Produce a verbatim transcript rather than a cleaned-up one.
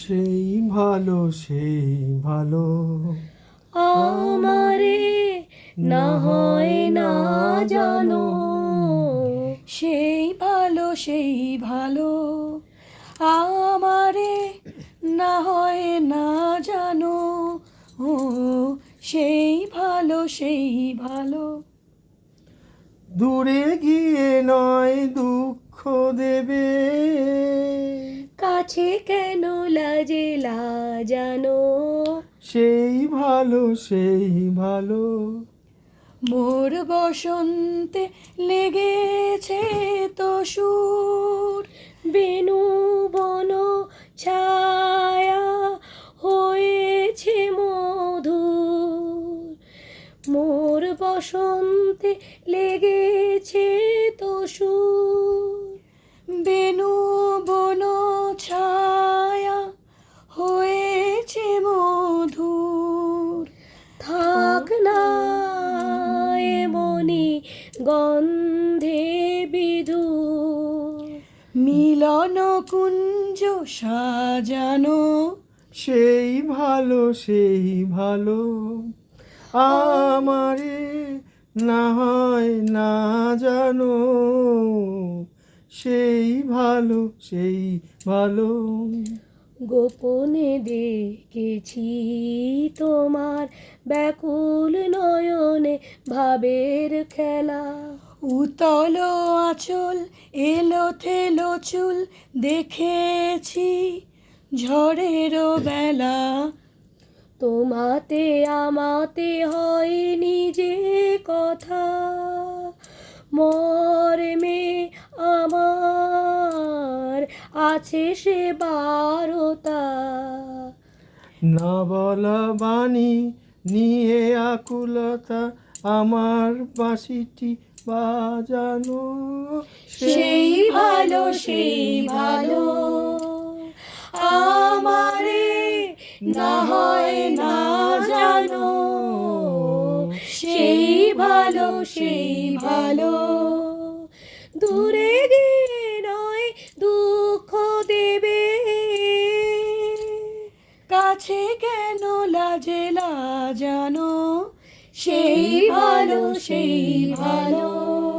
সেই ভালো সেই ভালো আমারে না হয় না জানো, সেই ভালো সেই ভালো আমারে না হয় না জানো, ও সেই ভালো সেই ভালো। দূরে গিয়ে নয় দুঃখ দেবে, কাছে কেন লাজে লাজানো, সেই ভালো সেই ভালো। মোর বসন্তে লেগেছে তো সুর, বেনু বন ছায়া হয়েছে মধুর। মোর বসন্তে লেগেছে তো সুর, বেনু বন ছায়া হয়েছে মধুর। থাক না এমনি গন্ধে বিধুর, মিলন কুঞ্জ সাজানো, সেই ভালো সেই ভালো আমারে না হয় না জানো, সেই ভালো সেই ভালো। গোপনে দেখেছি তোমার ব্যাকুল নয়নে ভাবের খেলা, উতল আঁচল এলো থেলো চুল দেখেছি ঝড়েরও বেলা। তোমাতে আমাতে হয়নি যে কথা, মর্মে আমার আছে সে বারতা। না বলা বাণী নিয়ে আকুলতা আমার বাঁশিটি বাজানো, সেই ভালো সেই ভালো আমারে না হয় না জানো, সেই ভালো সেই ভালো। দূরে গিয়ে নয় দুঃখ দেবে, কাছে কেন লাজে লাজানো, সেই ভালো সেই ভালো।